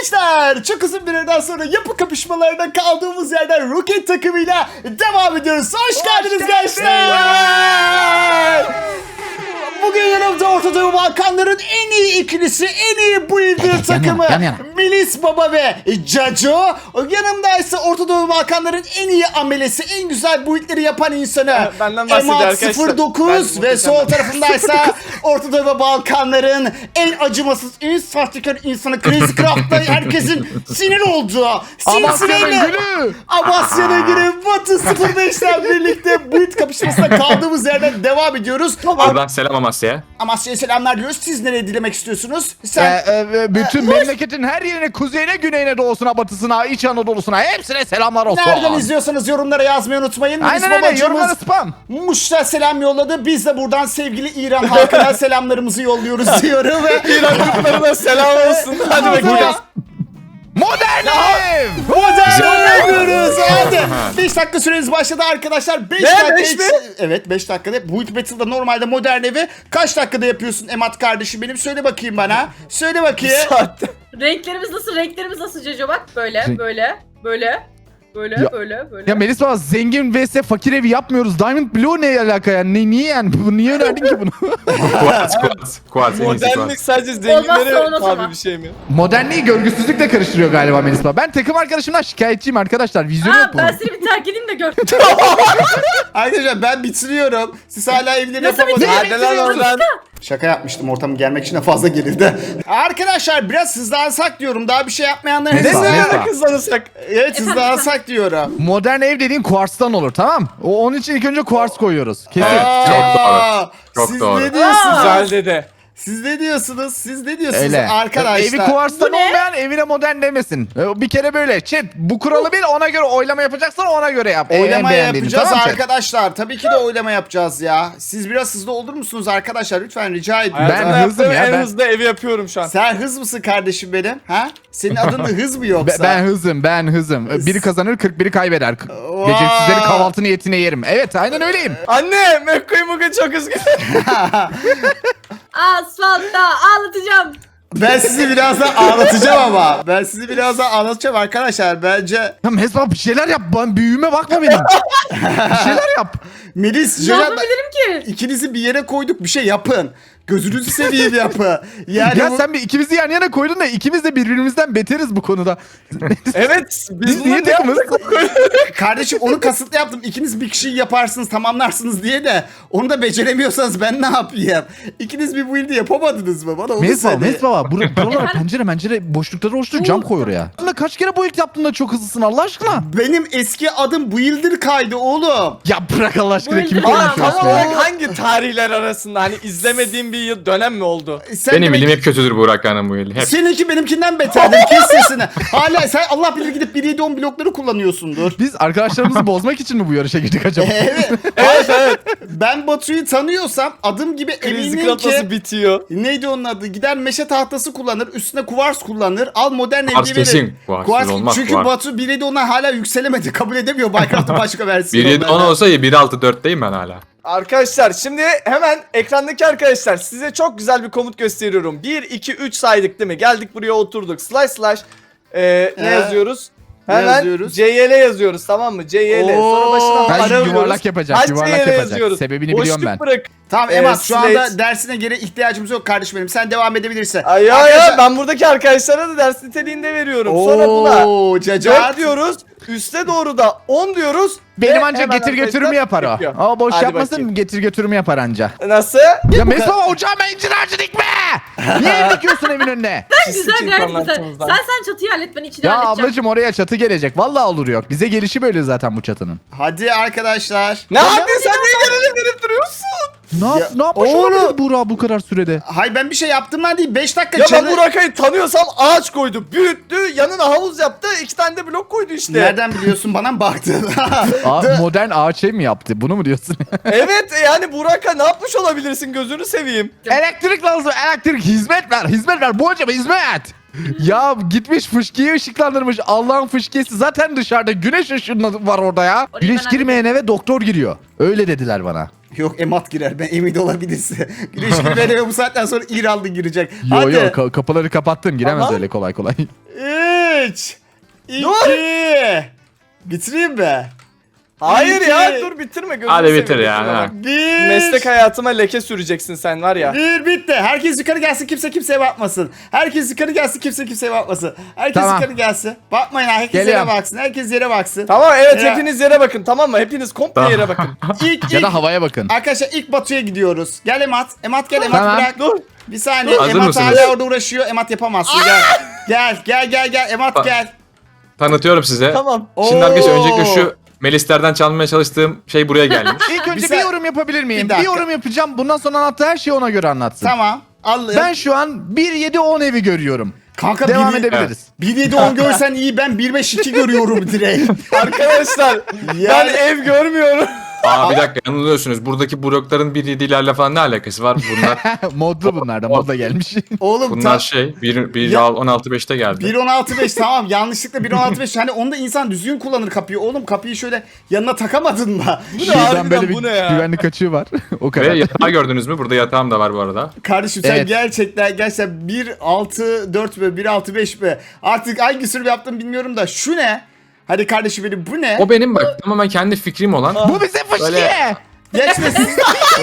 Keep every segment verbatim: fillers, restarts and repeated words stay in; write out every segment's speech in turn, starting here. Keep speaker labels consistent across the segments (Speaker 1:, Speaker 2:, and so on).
Speaker 1: Gençler, çok uzun bir aradan sonra yapı kapışmalarına kaldığımız yerden Roket takımıyla devam ediyoruz. Hoş, Hoş geldiniz geldiniz gençler. Bugün yanımda Orta Doğu Balkanların en iyi ikilisi, en iyi builder takımı
Speaker 2: yan yana.
Speaker 1: Melis Baba ve Caco. Yanımda ise Orta Doğu Balkanların en iyi amelesi, en güzel buildleri yapan insanı
Speaker 3: Benden bahsediyor
Speaker 1: Emat
Speaker 3: arkadaşlar.
Speaker 1: sıfır dokuz ve sol tarafındaysa Orta Doğu ve Balkanların en acımasız, en sahtekar insanı Crazy Craft'ta herkesin sinir olduğu
Speaker 2: Amasya'nın gülü.
Speaker 1: Amasya'nın gülü Batu sıfır beş'ten birlikte build kapışmasına kaldığımız yerden devam ediyoruz.
Speaker 4: Buradan selam Amasya'ya.
Speaker 1: Amasya'ya selamlar diyoruz. Siz nereye dilemek istiyorsunuz?
Speaker 2: Ee,
Speaker 1: Sen
Speaker 2: e, bütün memleketin her yerine, kuzeyine, güneyine, doğusuna, batısına, İç Anadolu'suna hepsine selamlar olsun.
Speaker 1: nereden izliyorsanız yorumlara yazmayı unutmayın. Melis
Speaker 2: Aynen öyle,
Speaker 1: babacığımız
Speaker 2: yorumlara spam.
Speaker 1: Muş'ta selam yolladı. Biz de buradan sevgili İran halkına selamlarımızı yolluyoruz diyorum ve
Speaker 3: İran kutlarına selam olsun. Hadi bakayım.
Speaker 2: Modern ev.
Speaker 1: modern oynuyoruz. Hadi. beş dakika süreniz başladı arkadaşlar. beş
Speaker 3: Ne,
Speaker 1: dakika.
Speaker 3: beş mi?
Speaker 1: Evet, beş dakikada. Build Battle'da normalde modern evi kaç dakikada yapıyorsun Emat kardeşim benim? Söyle bakayım bana. Söyle bakayım.
Speaker 3: Saatte.
Speaker 5: Renklerimiz nasıl? Renklerimiz nasıl Ceco bak? Böyle,
Speaker 2: Renk-
Speaker 5: böyle, böyle, böyle,
Speaker 2: Ya-
Speaker 5: böyle, böyle.
Speaker 2: Ya Melis baba, zengin vs fakir evi yapmıyoruz. Diamond Blue ne alaka yani? Ne, niye yani? Bu, niye önerdin ki bunu?
Speaker 4: Kuat, kuat. Kuat, en iyisi
Speaker 3: Modernlik
Speaker 4: kuat.
Speaker 3: sadece
Speaker 5: Olmazsa
Speaker 3: zenginlere
Speaker 5: olmaz ama.
Speaker 3: tabi bir şey mi?
Speaker 2: Modernliği görgüsüzlükle karıştırıyor galiba Melis baba. Ben takım arkadaşımdan şikayetçiyim arkadaşlar. Vizyonu
Speaker 5: Aa,
Speaker 2: yok bunun.
Speaker 5: ben seni bir terk edeyim de gör.
Speaker 1: Arkadaşlar ben bitiriyorum. Siz hala evleri
Speaker 5: Nasıl
Speaker 1: yapamadınız.
Speaker 3: Hadi lan oradan.
Speaker 1: Şaka yapmıştım, ortamı gelmek için de fazla gelirdi. Arkadaşlar biraz hızlansak diyorum. Daha bir şey yapmayanların
Speaker 2: Neyse,
Speaker 1: hızlı.
Speaker 2: neyse.
Speaker 3: Ne ara kızlanırsak?
Speaker 1: Evet, hızlansak diyorum.
Speaker 2: Modern ev dediğin kuarstan olur, tamam? O, onun için ilk önce kuars koyuyoruz. Kesin.
Speaker 1: Aa,
Speaker 4: Çok doğru. Çok
Speaker 1: siz
Speaker 4: doğru.
Speaker 1: ne diyorsunuz?
Speaker 3: Güzel dede.
Speaker 1: Siz ne diyorsunuz? Siz ne diyorsunuz
Speaker 2: Öyle.
Speaker 1: arkadaşlar?
Speaker 2: Evi kuarstan
Speaker 5: Bu ne?
Speaker 2: olmayan evine modern demesin. E, Bir kere böyle. Chat, bu kuralı bil, ona göre oylama yapacaksan ona göre yap. En
Speaker 1: Oylama
Speaker 2: beğendiğini,
Speaker 1: yapacağız
Speaker 2: tamam chat?
Speaker 1: arkadaşlar. Tabii ki de oylama yapacağız ya. Siz biraz hızlı olur musunuz arkadaşlar? Lütfen rica ediyorum.
Speaker 2: Ben
Speaker 3: Hayatımda
Speaker 2: hızlım
Speaker 3: yaptığım
Speaker 2: ya,
Speaker 3: En
Speaker 2: ben-
Speaker 3: hızlı evi yapıyorum şu an.
Speaker 1: Sen hız mısın kardeşim benim? Ha? Senin adın da hız mı
Speaker 2: Be-
Speaker 1: yoksa?
Speaker 2: ben hızım, ben hızım. E, Biri kazanır, kırk biri kaybeder. K-
Speaker 1: Vay.
Speaker 2: Gecesizleri kahvaltı niyetine yerim. Evet, aynen öyleyim.
Speaker 3: Anne, McQueen bugün çok üzgün.
Speaker 5: Asfaltta ağlatacağım.
Speaker 1: Ben sizi birazdan ağlatacağım ama. Ben sizi birazdan ağlatacağım arkadaşlar. Bence
Speaker 2: Ya Mesut bir şeyler yap. Ben büyüme bakma benim. Bir şeyler yap.
Speaker 1: Melis,
Speaker 5: Ne
Speaker 1: Ceren,
Speaker 5: yapabilirim ki?
Speaker 1: ikinizi bir yere koyduk. Bir şey yapın. Gözünüzü seveyim yapı. Yani
Speaker 2: Ya
Speaker 1: bu-
Speaker 2: sen bir ikimizi yan yana koydun da ikimiz de birbirimizden beteriz bu konuda.
Speaker 3: Evet, biz,
Speaker 2: Biz niye
Speaker 3: bunu ne
Speaker 2: takımız?
Speaker 3: yaptık?
Speaker 1: Kardeşim onu kasıtlı yaptım. İkiniz bir kişiyi yaparsınız, tamamlarsınız diye de onu da beceremiyorsanız ben ne yapayım? İkiniz bir build'i yapamadınız mı? Bana onu
Speaker 2: Melis baba,
Speaker 1: söyle.
Speaker 2: Melis baba. Bur buralara
Speaker 5: Efendim?
Speaker 2: pencere mencere boşlukları oluştur, cam koy oraya. Aslında kaç kere bu ilk yaptığında çok hızlısın Allah aşkına.
Speaker 1: Benim eski adım Builder kaydı oğlum.
Speaker 2: Ya bırak Allah aşkına,
Speaker 5: Bu
Speaker 2: kimi
Speaker 5: ilk- Aa,
Speaker 3: Aa,
Speaker 2: konuşuyorsun
Speaker 3: tam
Speaker 2: ya?
Speaker 3: olarak hangi tarihler arasında? Hani izlemediğim bir yıl dönem mi oldu?
Speaker 1: Sen
Speaker 4: Benim
Speaker 1: demek-
Speaker 4: bilim hep kötüdür Burak Hanım bu yıl. Hep.
Speaker 1: Seninki benimkinden beterdir. Kes sesini. Hala sen Allah bilir gidip bir yedi on blokları kullanıyorsundur.
Speaker 2: Biz arkadaşlarımızı bozmak için mi bu yarışa girdik acaba?
Speaker 1: Evet.
Speaker 3: Evet evet.
Speaker 1: Ben Batu'yu tanıyorsam adım gibi
Speaker 3: Krizi
Speaker 1: eminim
Speaker 3: kratası
Speaker 1: ki
Speaker 3: bitiyor.
Speaker 1: neydi onun adı? Gider meşe tahtası kullanır. Üstüne kuvars kullanır. Al modern
Speaker 4: Kuvars
Speaker 1: evli verir.
Speaker 4: kesin. Kuvarsız olmaz,
Speaker 1: Çünkü
Speaker 4: kuvars.
Speaker 1: Batu bir yedi ona hala yükselemedi. Kabul edemiyor Minecraft'ın başka versiyonu.
Speaker 4: bir yedi on olsa ya bir altı dörtteyim ben hala.
Speaker 3: Arkadaşlar şimdi hemen ekrandaki arkadaşlar size çok güzel bir komut gösteriyorum. bir, iki, üç saydık değil mi? Geldik buraya oturduk. Slash slash e, ne
Speaker 1: Ee,
Speaker 3: yazıyoruz?
Speaker 1: ne
Speaker 3: Hemen
Speaker 1: yazıyoruz?
Speaker 3: C Y L yazıyoruz, tamam mı? C Y L. Sonra
Speaker 1: Oo,
Speaker 3: başına
Speaker 2: Ben
Speaker 3: ara
Speaker 2: yuvarlak
Speaker 3: vuruyoruz.
Speaker 2: yapacak,
Speaker 3: Kaç
Speaker 2: yuvarlak
Speaker 3: C Y L
Speaker 2: yapacak.
Speaker 3: yazıyoruz?
Speaker 2: Sebebini
Speaker 3: Boşluk
Speaker 2: biliyorum ben.
Speaker 3: bırak.
Speaker 1: Tamam
Speaker 3: Ee,
Speaker 1: Emat, şu
Speaker 3: slate.
Speaker 1: anda dersine göre ihtiyacımız yok kardeşim benim. Sen devam edebilirsin.
Speaker 3: Ay ya
Speaker 1: Arkadaşlar-
Speaker 3: ya ben buradaki arkadaşlara da ders niteliğinde veriyorum. Sonra buna
Speaker 1: Oo, cacat.
Speaker 3: dört diyoruz. Üste doğru da on diyoruz.
Speaker 2: Benim
Speaker 3: ve
Speaker 2: anca
Speaker 3: hemen
Speaker 2: getir
Speaker 3: arkadaşlar
Speaker 2: götürümü yapar o.
Speaker 3: yapıyor.
Speaker 2: Ama boş
Speaker 3: Hadi
Speaker 2: yapmasın,
Speaker 3: bakayım.
Speaker 2: getir götürümü yapar anca.
Speaker 3: Nasıl?
Speaker 2: Ya Mesut baba, ocağıma incir ağacı dikme! Niye ev dikiyorsun evin önüne?
Speaker 5: Güzel
Speaker 3: Sıçayım
Speaker 5: gayet güzel.
Speaker 3: anlattığımızdan.
Speaker 5: Sen sen çatıyı hallet, ben içini
Speaker 2: Ya
Speaker 5: halledeceğim.
Speaker 2: ablacım, oraya çatı gelecek. Vallahi olur yok. Bize gelişi böyle zaten bu çatının.
Speaker 1: Hadi arkadaşlar.
Speaker 3: Ne yapıyorsun sen, niye gelelim verip duruyorsun?
Speaker 2: Ne, yap,
Speaker 1: Ya,
Speaker 2: ne yapmış
Speaker 1: oğlum.
Speaker 2: olabilir Buğra bu kadar sürede?
Speaker 1: Hay ben bir şey yaptığımdan değil. beş dakika
Speaker 3: Ya ben
Speaker 1: canı-
Speaker 3: Burak'ı tanıyorsam ağaç koydu, büyüttü, yanına havuz yaptı, iki tane de blok koydu işte.
Speaker 1: Nereden biliyorsun, bana mı baktın?
Speaker 2: Aa,
Speaker 1: Dı-
Speaker 2: modern ağaç ev mi yaptı? Bunu mu diyorsun?
Speaker 3: Evet yani Burak'a ne yapmış olabilirsin, gözünü seveyim.
Speaker 2: Elektrik lazım. Elektrik, hizmet ver. Hizmet ver. Bu hocam hizmet. Ya gitmiş fışkiyi ışıklandırmış. Allah'ın fışkiyesi zaten dışarıda. Güneş ışığı var orada ya.
Speaker 5: Orayı
Speaker 2: Güneş
Speaker 5: ben
Speaker 2: girmeyen eve doktor giriyor. Öyle dediler bana.
Speaker 1: Yok, Emat girer, ben emin olabilirsin. Güneş gibi eve bu saatten sonra İranlı girecek.
Speaker 2: Yo
Speaker 1: Hadi.
Speaker 2: yo ka- kapıları kapattım. Giremez
Speaker 3: Ama-
Speaker 2: öyle kolay kolay.
Speaker 1: üç, iki, bitireyim mi?
Speaker 3: Hayır
Speaker 1: İki.
Speaker 3: ya dur bitirme gözünü
Speaker 4: Hadi bitir
Speaker 3: seveyim,
Speaker 4: ya,
Speaker 3: bitirme
Speaker 4: ha.
Speaker 3: bak.
Speaker 1: Bir,
Speaker 3: Meslek hayatıma leke süreceksin sen var ya.
Speaker 1: bir bitti. Herkes yukarı gelsin, kimse kimseye bakmasın. Herkes yukarı gelsin, kimse kimseye bakmasın. Herkes
Speaker 2: Tamam.
Speaker 1: yukarı gelsin. Bakmayın, herkes
Speaker 2: Geliyorum.
Speaker 1: yere baksın. Herkes yere baksın.
Speaker 3: Tamam evet
Speaker 1: Ya.
Speaker 3: hepiniz yere bakın tamam mı? Hepiniz komple
Speaker 4: Tamam.
Speaker 3: yere bakın.
Speaker 1: İlk,
Speaker 2: Ya
Speaker 1: ilk,
Speaker 2: da havaya bakın.
Speaker 1: arkadaşlar ilk Batu'ya gidiyoruz. Gel Emat. Emat gel, Emat
Speaker 2: Tamam.
Speaker 1: bırak.
Speaker 3: Dur.
Speaker 1: Bir saniye.
Speaker 4: Hazır
Speaker 1: Emat
Speaker 4: mısınız?
Speaker 1: hala orada uğraşıyor. Emat yapamazsın. Gel. Gel, gel, gel, gel. Emat
Speaker 4: Bak.
Speaker 1: gel.
Speaker 4: Tanıtıyorum size.
Speaker 3: Tamam.
Speaker 4: Şimdi arkadaşlar
Speaker 1: Oo.
Speaker 4: öncelikle şu Melislerden çalmaya çalıştığım şey buraya gelmiş.
Speaker 2: İlk önce
Speaker 1: Bir
Speaker 2: bir,
Speaker 1: sa-
Speaker 2: yorum yapabilir miyim?
Speaker 1: Bir
Speaker 2: Bir,
Speaker 1: dakika.
Speaker 2: yorum yapacağım. Bundan sonra anlattığı her şeyi ona göre anlatsın.
Speaker 1: Tamam. Al.
Speaker 2: Ben şu an bir yedi on evi görüyorum.
Speaker 1: Kanka
Speaker 2: Devam
Speaker 1: bir,
Speaker 2: edebiliriz.
Speaker 1: bir yedi on görsen iyi, ben bir beş iki görüyorum direkt.
Speaker 3: Arkadaşlar ben
Speaker 1: Yani-
Speaker 3: ev görmüyorum.
Speaker 4: Aa bir dakika yanılıyorsunuz. Buradaki blokların bir yedilerle falan ne alakası var? Bunlar
Speaker 2: Modlu bunlar da modla gelmiş.
Speaker 1: Oğlum
Speaker 4: bunlar
Speaker 1: tam
Speaker 4: şey bir bir
Speaker 1: Ya-
Speaker 4: on altı beşte geldi.
Speaker 1: bir on altı beş tamam, yanlışlıkla bir on altı beş, hani onu da insan düzgün kullanır kapıyı. Oğlum kapıyı şöyle yanına takamadın mı?
Speaker 3: Bu ne
Speaker 2: Şuradan
Speaker 3: harbiden
Speaker 2: böyle bir
Speaker 3: bu ne ya?
Speaker 2: güvenlik açığı var. O kadar.
Speaker 4: Ve yatağı gördünüz mü? Burada yatağım da var bu arada.
Speaker 1: Kardeşim sen
Speaker 2: Evet.
Speaker 1: gerçekten gerçekten bir altı dört mü bir altı beş mi? Artık hangi sürüm yaptım bilmiyorum da şu ne? Hadi kardeşim benim, bu ne?
Speaker 4: O benim bak tamamen kendi fikrim olan.
Speaker 2: Bu bize fışkiye.
Speaker 1: Geç de siz.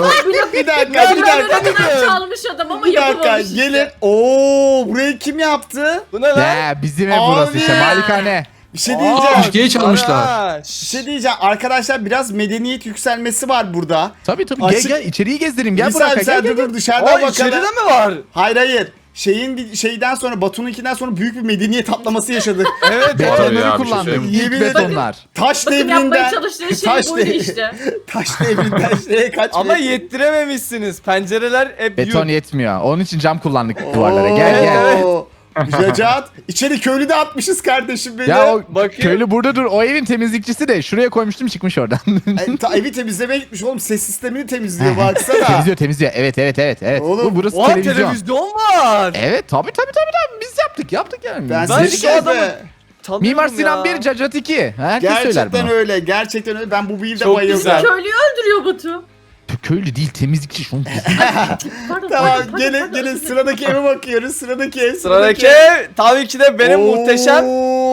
Speaker 1: bir dakika bir
Speaker 5: Böyle
Speaker 1: dakika.
Speaker 5: ne kadar çalmış adam ama
Speaker 1: Bir dakika
Speaker 5: yapamamış işte.
Speaker 1: gelin. Oo, burayı kim yaptı?
Speaker 3: Bu ne lan?
Speaker 2: Ya bizim ev
Speaker 1: Abi.
Speaker 2: burası işte malikane.
Speaker 1: Bir şey
Speaker 3: Aa,
Speaker 1: diyeceğim.
Speaker 4: Fışkiyeyi çalmışlar.
Speaker 3: Aa,
Speaker 1: Bir şey diyeceğim. Arkadaşlar biraz medeniyet yükselmesi var burada.
Speaker 2: Tabii tabii
Speaker 1: Açık-
Speaker 2: gel gel içeriği gezdireyim gel
Speaker 1: bir saniye,
Speaker 2: Burak'a
Speaker 1: bir
Speaker 2: gel,
Speaker 1: saniye,
Speaker 2: gel,
Speaker 1: dur
Speaker 2: gel.
Speaker 1: dur dışarıdan
Speaker 3: Aa, içeride
Speaker 1: bakalım.
Speaker 3: mi var?
Speaker 1: Hayır hayır. Şeyin bir- şeyden sonra Batu'nunkinden sonra büyük bir medeniyet atlaması yaşadık.
Speaker 3: Evet.
Speaker 4: Var ya,
Speaker 2: Betonları
Speaker 4: bir şey
Speaker 2: kullandık.
Speaker 4: söyleyeyim.
Speaker 2: İlk
Speaker 1: Yemin ederim.
Speaker 2: betonlar.
Speaker 1: Taş
Speaker 5: Bakın yapmaya
Speaker 1: devrinden.
Speaker 5: çalıştığı şey
Speaker 1: Taş
Speaker 5: buydu
Speaker 1: devri-
Speaker 5: işte.
Speaker 1: Taş devrinden şeye kaç
Speaker 3: Ama
Speaker 1: metre-
Speaker 3: yettirememişsiniz. Pencereler hep
Speaker 2: Beton
Speaker 3: yük.
Speaker 2: yetmiyor. Onun için cam kullandık duvarlara. Gel gel.
Speaker 1: Oo. Cacat. İçeri köylü de atmışız kardeşim beni.
Speaker 2: Ya o
Speaker 3: Bakayım.
Speaker 2: köylü burada dur. O evin temizlikçisi de şuraya koymuştum çıkmış oradan.
Speaker 1: Ay, ta- evi temizlemeye gitmiş oğlum, ses sistemini temizliyor baksana.
Speaker 2: temizliyor temizliyor. Evet evet evet. evet.
Speaker 1: Oğlum,
Speaker 2: Bu burası
Speaker 3: Oha
Speaker 2: televizyon.
Speaker 3: televizyon var.
Speaker 2: Evet tabii tabii tabii. tabii. Biz yaptık yaptık yani.
Speaker 1: Ben
Speaker 3: Ben
Speaker 1: size
Speaker 3: şu
Speaker 1: şey
Speaker 3: adamı-
Speaker 1: be.
Speaker 3: Tanıyorum
Speaker 2: Mimar Sinan
Speaker 3: ya.
Speaker 2: bir, Cacat iki. Herkes söyler
Speaker 1: Gerçekten
Speaker 2: bunu.
Speaker 1: öyle. Gerçekten öyle. Ben bu build'e
Speaker 3: Çok
Speaker 1: bayıldım.
Speaker 3: güzel.
Speaker 5: Köylüyü öldürüyor Batu.
Speaker 2: Köylü değil temizlikçi. Şunu
Speaker 5: Pardon,
Speaker 1: Tamam
Speaker 5: pardon, pardon,
Speaker 1: gelin
Speaker 5: pardon,
Speaker 1: gelin
Speaker 5: özür dilerim.
Speaker 1: sıradaki eve bakıyoruz. Sıradaki ev.
Speaker 3: Sıradaki ev tabii ki de benim
Speaker 1: Oo.
Speaker 3: muhteşem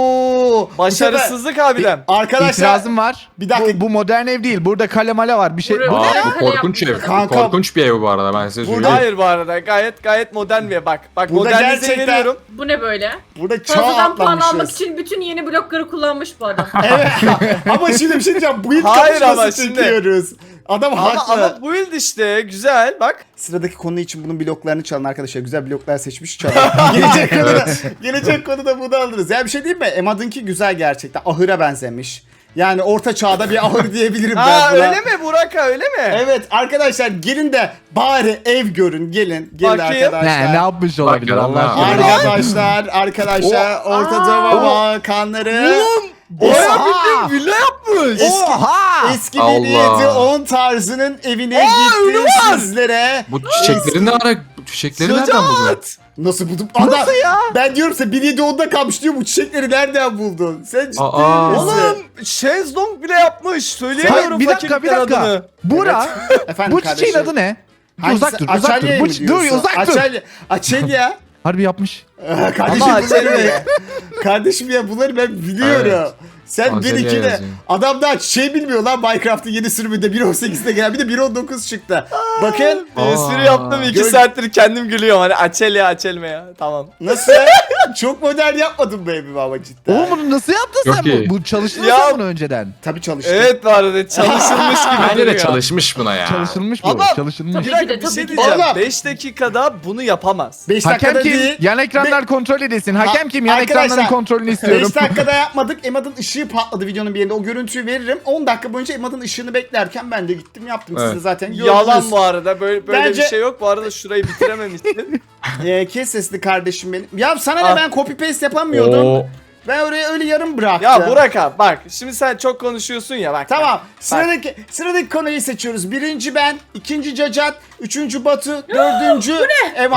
Speaker 1: Bu
Speaker 3: başarısızlık abidem.
Speaker 1: sefer- Arkadaşlar
Speaker 2: İtirazım var.
Speaker 1: Bir dakika.
Speaker 2: Bu, bu modern ev değil. Burada kale male var. Bir şey.
Speaker 5: Buraya-
Speaker 2: Bu ne?
Speaker 4: Aa
Speaker 5: ya?
Speaker 4: bu korkunç ev.
Speaker 1: Kanka.
Speaker 4: Korkunç bir ev bu arada ben size
Speaker 1: Burada-
Speaker 4: söyleyeyim.
Speaker 3: Hayır bu arada gayet gayet modern bir ev. Bak bak
Speaker 1: Burada
Speaker 3: modernize
Speaker 1: gerçekten-
Speaker 3: veriyorum.
Speaker 5: Bu ne böyle?
Speaker 1: burada çağ
Speaker 5: Fazladan puan almak
Speaker 1: atlamışız.
Speaker 5: için bütün yeni blokları kullanmış bu adam.
Speaker 1: Evet. Ama şimdi bir şey diyeceğim. Bu ilk
Speaker 3: Hayır ama
Speaker 1: kapışması
Speaker 3: şimdi-
Speaker 1: çekiyoruz. Adam
Speaker 3: Ama,
Speaker 1: haklı.
Speaker 3: ama build işte güzel bak.
Speaker 1: Sıradaki konu için bunun bloklarını çalın arkadaşlar. Güzel bloklar seçmiş çalın. gelecek konuda, gelecek konuda bunu alırız. Ya bir şey diyeyim mi? Emad'ınki güzel gerçekten. Ahıra benzemiş. Yani orta çağda bir ahır diyebilirim ben
Speaker 3: Ha
Speaker 1: buna.
Speaker 3: öyle mi Burak'a öyle mi?
Speaker 1: Evet arkadaşlar gelin de bari ev görün. Gelin. Gelin
Speaker 3: Bakayım.
Speaker 1: arkadaşlar.
Speaker 2: Ne, ne yapmış olabilir
Speaker 4: Bakalım
Speaker 2: Allah
Speaker 4: ne
Speaker 2: aşkına.
Speaker 4: yapmış.
Speaker 1: Arkadaşlar, arkadaşlar Orta Doğu Balkanları
Speaker 3: Oğlum baya bildiğin villa yapmış.
Speaker 1: Eski-
Speaker 2: Oha!
Speaker 1: eski
Speaker 4: Allah.
Speaker 1: bir yedi on tarzının evine
Speaker 3: Aa, önü
Speaker 1: gitti
Speaker 3: var.
Speaker 1: sizlere.
Speaker 4: Bu çiçekleri ne ara? Bu çiçekleri nereden buldun?
Speaker 3: Cacat.
Speaker 1: Nasıl buldum? Adam,
Speaker 2: Nasıl ya?
Speaker 1: Ben diyorum size bir yedi onda kalmış diyor, bu çiçekleri nereden buldun? Sen ciddi
Speaker 4: Aa.
Speaker 1: misin?
Speaker 3: Oğlum şezlong bile yapmış. Söyleyemiyorum
Speaker 2: Hayır, bir dakika bir
Speaker 3: fakirlikten
Speaker 2: dakika.
Speaker 3: adını.
Speaker 2: Bura.
Speaker 1: Efendim
Speaker 2: Bu çiçeğin
Speaker 1: kardeşim.
Speaker 2: adı ne?
Speaker 1: Hangisi?
Speaker 2: Uzak dur uzak dur.
Speaker 1: Açelya'yı
Speaker 2: Bu,
Speaker 1: mı
Speaker 2: çi- dur
Speaker 1: diyorsun?
Speaker 2: uzak dur.
Speaker 1: Açelya. Açelya.
Speaker 2: Harbi yapmış.
Speaker 1: Kardeşim
Speaker 3: Ama
Speaker 1: bunları
Speaker 3: Açelya.
Speaker 1: ben, kardeşim ya bunları ben biliyorum.
Speaker 4: Evet.
Speaker 1: Sen
Speaker 4: Açelya
Speaker 1: benimkine
Speaker 4: yazıyor.
Speaker 1: adam daha şey bilmiyor lan, Minecraft'ın yeni sürümünde bir on sekizde gelen bir de bir on dokuz çıktı. Bakın
Speaker 3: Bir sürü yaptım iki
Speaker 1: Gör-
Speaker 3: saattir kendim gülüyorum. Hani açel ya açelme ya. Tamam.
Speaker 1: nasıl? Çok modern yapmadım be evimi ama cidden.
Speaker 2: Oğlum bunu nasıl yaptın
Speaker 4: Yok
Speaker 2: sen?
Speaker 4: ki.
Speaker 2: Bu, bu çalıştın
Speaker 3: Ya-
Speaker 2: sen bunu önceden.
Speaker 1: Tabii çalıştım.
Speaker 3: Evet bu arada çalışılmış gibi
Speaker 4: Bence de
Speaker 3: duruyor.
Speaker 4: çalışmış buna ya.
Speaker 2: Çalışılmış bu.
Speaker 3: Ama-
Speaker 2: Çalışılmış.
Speaker 5: Tabii
Speaker 3: Bir
Speaker 5: ki
Speaker 3: dakika
Speaker 5: de,
Speaker 3: bir
Speaker 5: tabii
Speaker 3: şey
Speaker 5: ki de.
Speaker 3: diyeceğim.
Speaker 1: Oğlum.
Speaker 3: beş dakikada bunu yapamaz.
Speaker 1: beş
Speaker 2: Hakem
Speaker 1: dakikada
Speaker 2: kim?
Speaker 1: değil.
Speaker 2: Yan ekranlar kontrol edilsin. Hakem kim? Yan
Speaker 1: Arkadaşlar,
Speaker 2: ekranların kontrolünü istiyorum.
Speaker 1: beş dakikada yapmadık. Emad'ın ışığı patladı videonun bir yerinde. O görüntüyü veririm. on dakika boyunca Emad'ın ışığını beklerken ben de gittim yaptım. Siz de
Speaker 4: Evet.
Speaker 1: zaten gördünüz.
Speaker 3: Yalan bu arada. Böyle böyle
Speaker 1: Bence-
Speaker 3: bir şey yok. Bu arada şurayı bitirememişsin.
Speaker 1: Ee, kes sesli kardeşim benim. Ya sana ne,
Speaker 3: Ah.
Speaker 1: ben copy paste yapamıyordum.
Speaker 4: Oo.
Speaker 1: Ben oraya öyle yarım bıraktım.
Speaker 3: ya Burak abi bak şimdi sen çok konuşuyorsun ya bak.
Speaker 1: Tamam.
Speaker 3: Bak.
Speaker 1: Sıradaki sıradaki konuyu seçiyoruz. Birinci ben, ikinci Cacat, üçüncü Batu, dördüncü Emat.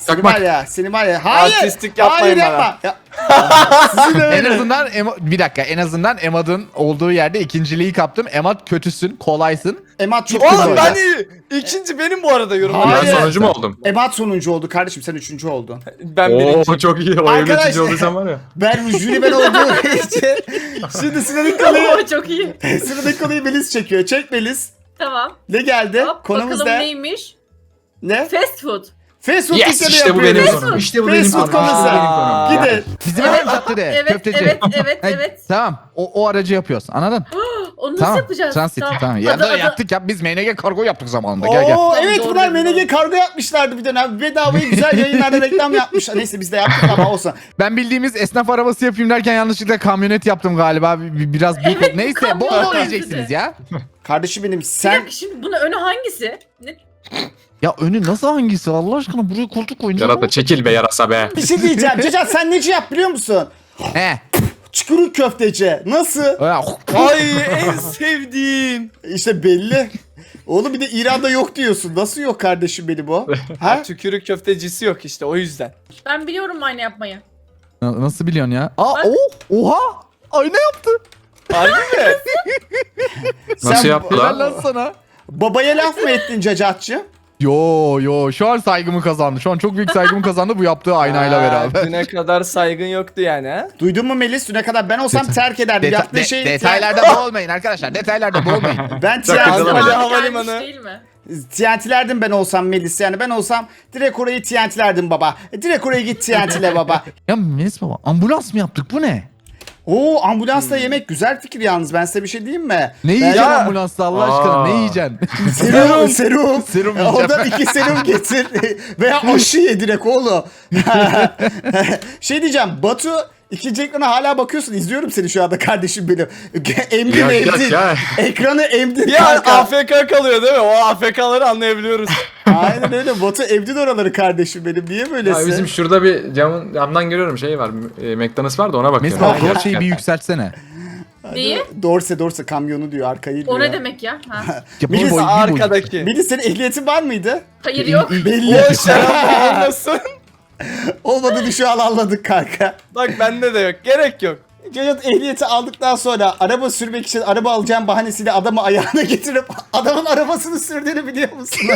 Speaker 1: Seni
Speaker 4: Çakmak.
Speaker 1: var ya, seni var ya. Hayır.
Speaker 3: Artistlik yapmayın
Speaker 1: hayır,
Speaker 3: bana.
Speaker 1: yapma. Ya. Sizin de
Speaker 2: En
Speaker 1: öyle.
Speaker 2: azından Emo- bir dakika en azından Emad'ın olduğu yerde ikinciliği kaptım. Emad kötüsün, kolaysın.
Speaker 1: Emat çok
Speaker 3: Oğlum
Speaker 1: güzel.
Speaker 3: ben iyi. İkinci benim bu arada yorum.
Speaker 1: Hayır.
Speaker 4: Ben sonuncu mu oldum?
Speaker 1: Emat sonuncu oldu kardeşim, sen üçüncü oldun.
Speaker 3: Ben
Speaker 4: Oo
Speaker 3: birinci.
Speaker 4: çok iyi. O
Speaker 1: Arkadaşlar-
Speaker 4: yönetici olduysan var ya.
Speaker 1: Ben jüri ben olduğum için. Şimdi sıradaki konuyu,
Speaker 5: Oo, çok iyi.
Speaker 1: sıradaki konuyu Melis çekiyor. Çek Melis.
Speaker 5: Tamam.
Speaker 1: Ne geldi?
Speaker 5: Hop,
Speaker 1: Konumuz
Speaker 5: bakalım
Speaker 1: ne?
Speaker 5: neymiş?
Speaker 1: Ne?
Speaker 5: Fast food.
Speaker 1: Fast food
Speaker 4: Yes
Speaker 1: dükkanı
Speaker 4: işte bu benim
Speaker 1: yapıyoruz.
Speaker 4: konum. İşte bu
Speaker 1: Fast
Speaker 4: benim
Speaker 1: food
Speaker 4: konum. İşte
Speaker 1: konusu.
Speaker 4: benim konum.
Speaker 1: Gidin.
Speaker 2: Bizim eve caddede,
Speaker 5: Evet,
Speaker 2: köfteci.
Speaker 5: evet, evet,
Speaker 2: Ha,
Speaker 5: evet.
Speaker 2: Tamam. O, o aracı yapıyoruz. Anladın?
Speaker 5: Onu nasıl
Speaker 2: Tamam.
Speaker 5: yapacağız?
Speaker 2: Transit. Tamam. Ya
Speaker 5: Adı-
Speaker 2: da
Speaker 5: adı-
Speaker 2: yaptık ya. Biz M N G kargo yaptık zamanında. Gel gel.
Speaker 1: Oo
Speaker 5: Tamam,
Speaker 1: evet
Speaker 5: doğru
Speaker 1: bunlar
Speaker 5: dedin,
Speaker 1: M N G
Speaker 5: doğru.
Speaker 1: kargo yapmışlardı bir dönem. Bedavaya güzel yayınlarda reklam yapmış. Neyse biz de yaptık ama olsun.
Speaker 2: Ben bildiğimiz esnaf arabası yapayım derken yanlışlıkla kamyonet yaptım galiba. Bir- bir- Biraz büyük
Speaker 5: Evet,
Speaker 2: oldu. Neyse
Speaker 5: kamyon
Speaker 2: bol bol
Speaker 5: benzedi.
Speaker 2: yiyeceksiniz ya.
Speaker 1: Kardeşim benim
Speaker 5: Bir
Speaker 1: sen
Speaker 5: dakika, şimdi bunun önü hangisi? Ne?
Speaker 2: Ya önü nasıl hangisi Allah aşkına? Buraya koltuk koyunca.
Speaker 4: Yarata çekil be yarasa be.
Speaker 1: bir şey diyeceğim. Cacat sen neci yap biliyor musun?
Speaker 2: He.
Speaker 1: Çukuruk köfteci. Nasıl?
Speaker 3: Ay en sevdiğim.
Speaker 1: İşte belli. Oğlum bir de İran'da yok diyorsun. Nasıl yok kardeşim benim o? Ha?
Speaker 3: Tükürük köftecisi yok işte o yüzden.
Speaker 5: Ben biliyorum aynı yapmayı.
Speaker 2: Na- Nasıl biliyorsun ya? Aa,
Speaker 5: Bak.
Speaker 2: o, oha! Ayna yaptı.
Speaker 3: Harbi mi?
Speaker 4: Nasıl
Speaker 1: Sen
Speaker 4: yaptı
Speaker 2: Helal
Speaker 4: lan?
Speaker 2: lan sana.
Speaker 1: babaya laf mı ettin Cacatçı?
Speaker 2: Yo yo şu an saygımı kazandı. Şu an çok büyük saygımı kazandı bu yaptığı aynayla
Speaker 3: Aa,
Speaker 2: beraber.
Speaker 3: Düne kadar saygın yoktu yani ha?
Speaker 1: Duydun mu Melis? Düne kadar ben olsam terk ederdim.
Speaker 2: Deta-
Speaker 1: Yaptığı
Speaker 2: de-
Speaker 1: şey...
Speaker 2: detaylarda boğulmayın arkadaşlar. Detaylarda boğulmayın.
Speaker 1: Ben
Speaker 3: Sakın
Speaker 1: T N T
Speaker 3: deme.
Speaker 5: Zamanı
Speaker 3: havalimanı.
Speaker 5: gelmiş değil mi?
Speaker 1: T N T'lerdim ben olsam Melis yani ben olsam direkt orayı T N T'lerdim baba. Direkt oraya git T N T'le baba.
Speaker 2: Ya Melis baba ambulans mı yaptık bu ne?
Speaker 1: Oo ambulansla yemek güzel fikir yalnız ben size bir şey diyeyim mi?
Speaker 2: Ne yiyeceksin
Speaker 3: Ya-
Speaker 2: ambulansta Allah aşkına
Speaker 4: Aa.
Speaker 2: ne yiyeceksin?
Speaker 1: Serum, serum.
Speaker 2: Serum
Speaker 1: E,
Speaker 2: yiyeceğim.
Speaker 1: Oradan iki serum getir. Veya aşı ye direkt oğlum. Şey diyeceğim Batu ikinci ekrana hala bakıyorsun. İzliyorum seni şu anda kardeşim benim. Emdin
Speaker 4: Ya, ya,
Speaker 1: emdin.
Speaker 4: ya.
Speaker 1: Ekranı emdin
Speaker 3: Bir an
Speaker 1: kanka.
Speaker 3: A F K kalıyor değil mi? O A F K'ları anlayabiliyoruz.
Speaker 1: Aynen öyle. Batu emdin oraları kardeşim benim. Niye
Speaker 4: Ya
Speaker 1: böylesin?
Speaker 4: bizim şurada bir camın camdan görüyorum şey var. E, McDonald's var da ona
Speaker 2: Melis
Speaker 4: bakıyorum.
Speaker 2: baba
Speaker 4: Yani
Speaker 2: o şeyi bir
Speaker 4: gerçekten.
Speaker 2: yükseltsene.
Speaker 5: Neyi?
Speaker 1: Dorse Dorse kamyonu diyor arkayı diyor.
Speaker 5: O ne demek ya? Ha.
Speaker 2: Ya
Speaker 1: Melis,
Speaker 2: bir boy, bir boy.
Speaker 3: Arkadaki.
Speaker 1: Melis senin ehliyetin var mıydı?
Speaker 5: Hayır yok.
Speaker 1: Belli.
Speaker 3: O şarap olmasın.
Speaker 1: Olmadığını şu an anladık kanka.
Speaker 3: Bak bende de yok. Gerek yok.
Speaker 1: Cacat ehliyeti aldıktan sonra araba sürmek için araba alacağım bahanesiyle adamı ayağına getirip adamın arabasını sürdüğünü biliyor musunuz?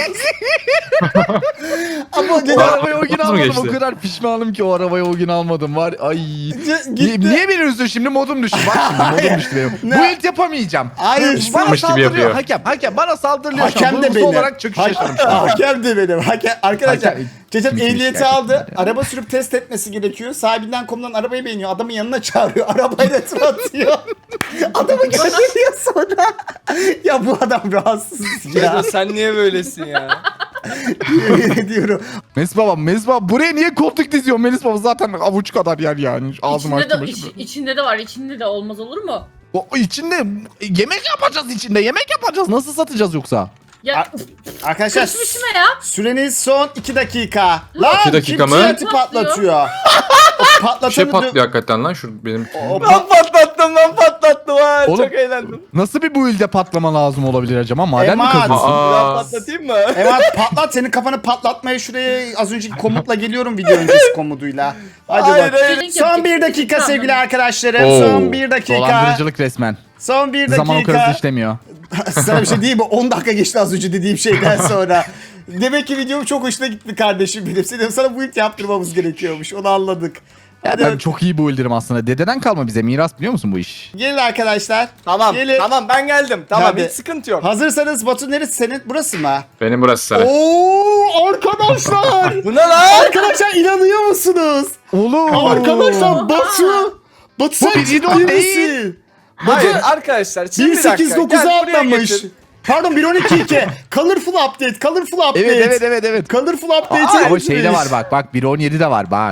Speaker 1: Ama
Speaker 2: O
Speaker 1: Cacat
Speaker 2: arabayı o gün
Speaker 4: Nasıl mı
Speaker 2: almadım. O
Speaker 4: geçti?
Speaker 2: kadar pişmanım ki o arabayı o gün almadım var. Ay.
Speaker 1: c-
Speaker 2: Niye,
Speaker 1: gitti.
Speaker 2: niye beni üzdün şimdi modum düştü. Bak şimdi modum düştü benim.
Speaker 1: Ne?
Speaker 2: Bu ilk yapamayacağım.
Speaker 1: Hayır,
Speaker 2: bana
Speaker 4: sıkılmış gibi
Speaker 2: saldırıyor
Speaker 4: yapıyor.
Speaker 2: hakem. Hakem bana saldırıyor şu an.
Speaker 1: Hakem de
Speaker 2: Duygusal
Speaker 1: benim.
Speaker 2: olarak çöküş
Speaker 1: Ha-
Speaker 2: yaşadım şu an.
Speaker 1: Hakem de benim. Hakem, arkadaşlar
Speaker 2: Hakem-
Speaker 1: Cacat
Speaker 2: Müthiş
Speaker 1: ehliyeti
Speaker 2: gerçekten
Speaker 1: aldı.
Speaker 2: ya.
Speaker 1: Araba sürüp test etmesi gerekiyor. Sahibinden komutan arabayı beğeniyor. Adamın yanına çağırıyor. Arabayla tur atıyor. Adamı gönderiyor sonra. Ya bu adam rahatsız
Speaker 3: Ya
Speaker 1: ya.
Speaker 3: sen niye böylesin ya?
Speaker 1: Yemin ediyorum.
Speaker 2: Melis baba, Melis baba buraya niye koltuk diziyor? Melis baba zaten avuç kadar yer yani. Ağzımı
Speaker 5: İçinde de,
Speaker 2: açtım.
Speaker 5: iç- içinde de var. İçinde de olmaz olur mu?
Speaker 2: O içinde yemek yapacağız içinde. Yemek yapacağız. Nasıl satacağız yoksa?
Speaker 5: Ya
Speaker 1: Ar- Arkadaşlar
Speaker 5: kaçmış mı ya?
Speaker 1: süreniz son iki dakika. Lan
Speaker 4: İki dakika
Speaker 1: kim
Speaker 4: mı?
Speaker 1: T N T patlatıyor? O
Speaker 4: Bir
Speaker 1: patlatanı
Speaker 4: şey
Speaker 1: dö-
Speaker 4: patlıyor hakikaten lan şu benim.
Speaker 1: O
Speaker 3: Ben patlattım ben patlattım ha.
Speaker 2: Oğlum-
Speaker 3: Çok eğlendim.
Speaker 2: Nasıl bir bu ilde patlama lazım olabilir acaba? Maden mi
Speaker 1: Eman.
Speaker 2: kazıyorsun?
Speaker 4: Aa.
Speaker 3: Ben patlatayım mı?
Speaker 1: Evet patlat senin kafanı patlatmaya şuraya az önceki komutla geliyorum video öncesi komutuyla. Hadi
Speaker 3: Hayır,
Speaker 1: bak.
Speaker 3: hayır.
Speaker 1: Son bir dakika sevgili arkadaşlarım.
Speaker 4: Oo.
Speaker 1: Son bir dakika.
Speaker 2: Dolandırıcılık resmen.
Speaker 1: Son bir
Speaker 2: Zaman
Speaker 1: dakika.
Speaker 2: okarası işlemiyor.
Speaker 1: Sana bir şey diyeyim mi? on dakika geçti az önce dediğim şeyden sonra. Demek ki videom çok hoşuna gitti kardeşim benim. Senin sana bu ilk yaptırmamız gerekiyormuş. Onu anladık.
Speaker 2: Ya
Speaker 1: Hadi
Speaker 2: ben
Speaker 1: bak-
Speaker 2: çok iyi bu ildirim aslında. Dededen kalma bize miras biliyor musun bu iş?
Speaker 1: Gelin arkadaşlar.
Speaker 3: Tamam
Speaker 1: Gelin.
Speaker 3: tamam ben geldim. Tamam
Speaker 1: Hadi.
Speaker 3: hiç sıkıntı yok.
Speaker 1: Hazırsanız Batu neresi senin? Burası mı?
Speaker 4: Benim burası sarı.
Speaker 1: Oo arkadaşlar.
Speaker 3: Bu ne lan?
Speaker 1: Arkadaşlar inanıyor musunuz?
Speaker 2: Oğlum.
Speaker 1: Arkadaşlar Batu. Batu sen
Speaker 2: bir
Speaker 1: ciddi
Speaker 2: idol değil.
Speaker 1: misin?
Speaker 3: Hayır arkadaşlar şimdi
Speaker 1: bir
Speaker 3: bir dakika.
Speaker 1: sekiz dokuza
Speaker 3: Gel buraya
Speaker 1: atlamış.
Speaker 3: getir.
Speaker 1: Pardon bir on iki iki. Colorful update. Colorful update.
Speaker 2: Evet evet evet evet.
Speaker 1: Colorful update.
Speaker 2: Aa, ama şey de var bak bak bir on yedi de var bak.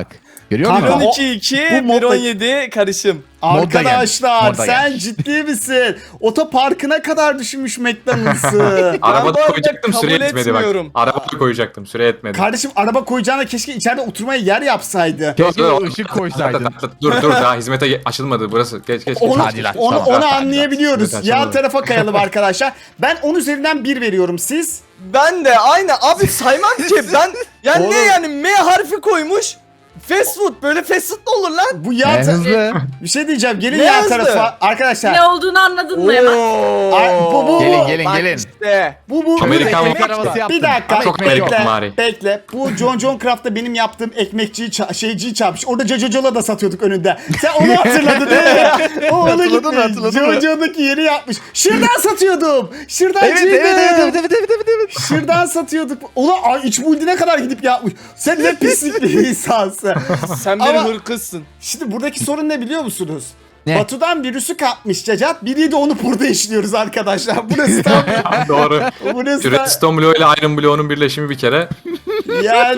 Speaker 2: Görüyor
Speaker 1: Kanka,
Speaker 2: musun?
Speaker 1: o-
Speaker 3: iki iki,
Speaker 1: bu modda-
Speaker 3: bir on yedi karışım.
Speaker 2: Modda
Speaker 1: Arkadaşlar
Speaker 2: gelmiş, modda
Speaker 1: sen
Speaker 2: gelmiş.
Speaker 1: ciddi misin? Otoparkına kadar düşmüş McDonald's'ı.
Speaker 3: bu
Speaker 4: Arabada
Speaker 3: arada
Speaker 4: koyacaktım süre
Speaker 3: kabul
Speaker 4: etmedi bak.
Speaker 3: etmiyorum.
Speaker 4: Arabada koyacaktım süre etmedi.
Speaker 1: Kardeşim araba koyacağına keşke içeride oturmaya yer yapsaydı.
Speaker 2: Keşke
Speaker 4: Dur, dur.
Speaker 2: ışık koysaydın.
Speaker 4: Dur dur daha hizmete ge- açılmadı burası. Geç geç.
Speaker 1: Onu,
Speaker 2: Tadilat,
Speaker 1: onu,
Speaker 2: tamam.
Speaker 1: onu
Speaker 2: Tadilat.
Speaker 1: anlayabiliyoruz.
Speaker 4: Evet,
Speaker 1: Yan
Speaker 4: açamadım.
Speaker 1: tarafa kayalım arkadaşlar. Ben on üzerinden bir veriyorum siz.
Speaker 3: Ben de aynı abi saymam ki ben yani ne
Speaker 1: Oğlum.
Speaker 3: yani M harfi koymuş. Fast food böyle fast food mu olur lan?
Speaker 1: Bu
Speaker 2: En
Speaker 1: yan ta-
Speaker 2: hızlı.
Speaker 1: bir şey diyeceğim. Gelin
Speaker 3: Ne
Speaker 1: yan
Speaker 3: hızlı?
Speaker 1: tarafa arkadaşlar.
Speaker 5: Ne olduğunu anladın mı hemen?
Speaker 1: Ay, bu- bu-
Speaker 2: Gelin gelin
Speaker 3: Bak
Speaker 2: gelin.
Speaker 3: işte.
Speaker 1: Bu bu
Speaker 4: Amerikan
Speaker 1: bu-
Speaker 2: ekmek arabası yaptım.
Speaker 1: Bir dakika
Speaker 4: Çok
Speaker 1: bekle.
Speaker 4: Amerikan vari.
Speaker 1: Bekle. Bu John John Craft'ta benim yaptığım ekmekçiyi ça- şeyciyi çarpmış. Orada Jojo'la da satıyorduk önünde. Sen onu hatırladın değil mi? O ona
Speaker 2: Hatırladın mı,
Speaker 1: gitmiş.
Speaker 2: hatırladın mı?
Speaker 1: Jojo'daki yeri yapmış. Şırdan satıyordum.
Speaker 2: Evet
Speaker 1: Şırdancıydım.
Speaker 2: evet evet evet evet evet evet. evet.
Speaker 1: Şırdan satıyorduk. Ulan ay, iç buldine kadar gidip yapmış. Sen ne pislik bir insansın.
Speaker 3: Sen bir
Speaker 1: Ama-
Speaker 3: hırkızsın.
Speaker 1: Şimdi buradaki sorun ne biliyor musunuz?
Speaker 2: Ne?
Speaker 1: Batu'dan virüsü kapmış Cacat. Biri de onu burada işliyoruz arkadaşlar. Burası tam...
Speaker 4: Doğru.
Speaker 1: burası
Speaker 4: Şu
Speaker 1: da
Speaker 4: Redstone bloğu ile Iron bloğunun birleşimi bir kere.
Speaker 1: yani...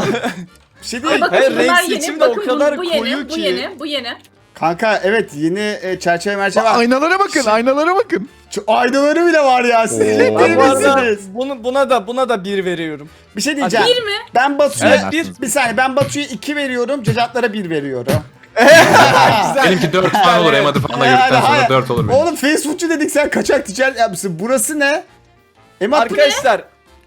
Speaker 1: Bir şey değil.
Speaker 5: Bakın
Speaker 3: Hayır,
Speaker 5: bunlar
Speaker 3: renk
Speaker 5: yeni.
Speaker 3: seçimi de o
Speaker 5: Bakın
Speaker 3: kadar
Speaker 5: bu, bu
Speaker 3: koyu
Speaker 5: yeni. Bu
Speaker 3: ki.
Speaker 5: yeni. Bu yeni.
Speaker 1: Kanka evet yeni e, çerçeve merçeve var.
Speaker 2: Aynalara bakın aynalara bakın.
Speaker 1: Şu aynaları bile var ya. Siz ciddi
Speaker 3: Ben bu arada
Speaker 1: misiniz?
Speaker 3: bunu, buna da buna da bir veriyorum.
Speaker 1: Bir şey diyeceğim.
Speaker 5: Bir mi?
Speaker 1: Ben Batu'ya
Speaker 3: Evet,
Speaker 1: bir, bir saniye ben Batu'ya iki veriyorum. Cacatlara bir veriyorum.
Speaker 4: Benimki dört falan olur. Emadı falan da gördükten
Speaker 1: hayır.
Speaker 4: sonra dört olur benim.
Speaker 1: Oğlum fast foodçu dedik sen kaçak ticaret yapmışsın. Burası ne? Emat bu ne?
Speaker 3: Arkadaşlar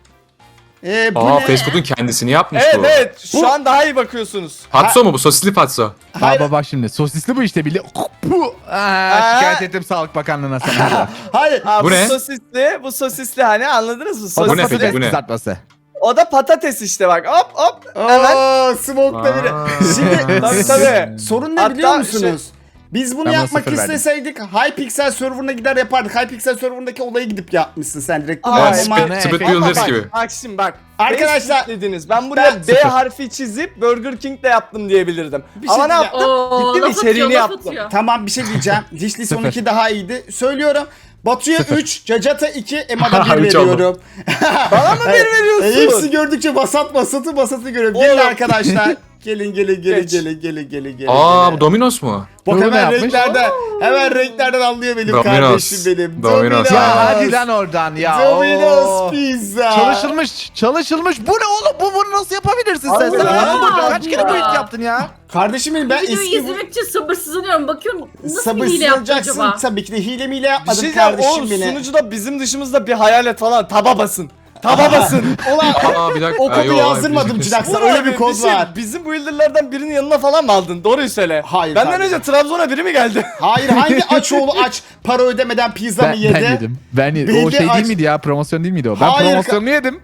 Speaker 1: Ee, bu
Speaker 4: Aa
Speaker 1: ne?
Speaker 4: fast food'un kendisini yapmış
Speaker 3: evet
Speaker 4: bu.
Speaker 3: evet şu
Speaker 1: Bu-
Speaker 3: an daha iyi bakıyorsunuz.
Speaker 4: Patso mu bu? Sosisli patso.
Speaker 1: Hayır.
Speaker 2: Baba bak şimdi sosisli bu işte bile. Bu. Aa,
Speaker 3: Aa.
Speaker 2: şikayet ettim Sağlık Bakanlığı'na sana.
Speaker 1: Hayır.
Speaker 3: Ha,
Speaker 4: Bu
Speaker 3: bu,
Speaker 4: ne?
Speaker 3: sosisli, bu sosisli hani anladınız mı?
Speaker 4: Bu
Speaker 3: Sosis.
Speaker 4: ne peki,
Speaker 2: Patates
Speaker 4: bu ne?
Speaker 2: kızartması.
Speaker 3: O da patates işte bak hop hop hemen.
Speaker 1: Oo, smoke'da biri.
Speaker 4: Aa.
Speaker 1: Şimdi
Speaker 3: Tabii tabii.
Speaker 1: sorun ne
Speaker 3: Hatta
Speaker 1: biliyor musunuz? Biz bunu
Speaker 2: Ben buna
Speaker 1: yapmak
Speaker 2: sıfır verdim.
Speaker 1: isteseydik Hypixel serverına gider yapardık. Hypixel serverındaki olayı gidip yapmışsın sen direkt.
Speaker 3: Aa,
Speaker 1: Ama-
Speaker 3: evet,
Speaker 1: ama-
Speaker 2: ne?
Speaker 4: Split
Speaker 2: Ama
Speaker 4: Builders
Speaker 3: bak,
Speaker 4: gibi.
Speaker 3: Bak şimdi bak.
Speaker 1: Arkadaşlar,
Speaker 3: Facebook dediniz. Ben buraya
Speaker 1: ben-
Speaker 3: B
Speaker 2: Sıfır.
Speaker 3: harfi çizip Burger King'de yaptım diyebilirdim.
Speaker 1: Bir şey
Speaker 3: Ama ne
Speaker 1: diyeceğim.
Speaker 3: yaptım?
Speaker 5: Oo,
Speaker 3: Gittim
Speaker 5: laf atıyor,
Speaker 3: içeriğini
Speaker 5: laf
Speaker 3: yaptım.
Speaker 5: atıyor.
Speaker 1: Tamam bir şey diyeceğim. Dişli son
Speaker 2: Sıfır.
Speaker 1: iki daha iyiydi. Söylüyorum. Batu'ya üç, Cacat'a iki, Emad'a bir
Speaker 4: Üç oldu.
Speaker 1: veriyorum.
Speaker 3: Bana mı bir
Speaker 1: E,
Speaker 3: veriyorsun?
Speaker 1: hepsi gördükçe basat basatı basatı görüyorum. Gelin
Speaker 3: Oğlum.
Speaker 1: arkadaşlar. Gelin gelin gelin
Speaker 3: Geç.
Speaker 1: gelin gelin gelin gelin.
Speaker 4: Aa
Speaker 1: gelin.
Speaker 4: bu Domino's mu?
Speaker 1: Bak
Speaker 2: Bu ne
Speaker 1: hemen
Speaker 2: yapmış?
Speaker 1: renklerden, hemen renklerden anlıyor benim
Speaker 4: Domino's.
Speaker 1: kardeşim benim.
Speaker 4: Domino's.
Speaker 2: Ya hadi lan oradan ya.
Speaker 1: Domino's
Speaker 2: Oo.
Speaker 1: pizza.
Speaker 2: Çalışılmış, çalışılmış. Bu ne oğlum? Bu bunu nasıl yapabilirsin sen? Sen
Speaker 3: Allah
Speaker 2: nasıl
Speaker 5: Allah.
Speaker 2: bu- kaç kere bu iş yaptın ya?
Speaker 1: Kardeşim benim ben
Speaker 5: Videoyu
Speaker 1: eski
Speaker 5: izlemek için sabırsızlanıyorum. Bakıyorum nasıl bir hile yaptı
Speaker 1: sabırsızlanacaksın
Speaker 5: acaba?
Speaker 1: tabii ki de hile miyle
Speaker 3: Bir
Speaker 1: yapmadım
Speaker 3: şey diyeceğim
Speaker 1: kardeşim
Speaker 3: oğlum
Speaker 1: beni.
Speaker 3: sunucuda bizim dışımızda bir hayalet falan taba basın. Taba basın.
Speaker 1: Ulan
Speaker 4: Aa bir dakika.
Speaker 1: o
Speaker 4: Aa,
Speaker 1: kodu
Speaker 4: yo,
Speaker 1: yazdırmadım
Speaker 4: biz-
Speaker 1: Cilaks'a
Speaker 3: Bu
Speaker 1: öyle
Speaker 3: abi,
Speaker 1: bir kod
Speaker 3: şey,
Speaker 1: var.
Speaker 3: Bizim bu builder'lardan birinin yanına falan mı aldın? Doğruyu söyle.
Speaker 1: Hayır,
Speaker 3: Benden
Speaker 1: kardeşim.
Speaker 3: önce Trabzon'a biri mi geldi?
Speaker 1: Hayır hangi aç oğlu aç para ödemeden pizza
Speaker 2: Ben,
Speaker 1: mı yedi?
Speaker 2: ben yedim. Ben yedim.
Speaker 1: Bildi
Speaker 2: O şey
Speaker 1: aç-
Speaker 2: değil miydi ya? Promosyon değil miydi o? Ben
Speaker 1: Hayır,
Speaker 2: promosyonunu yedim.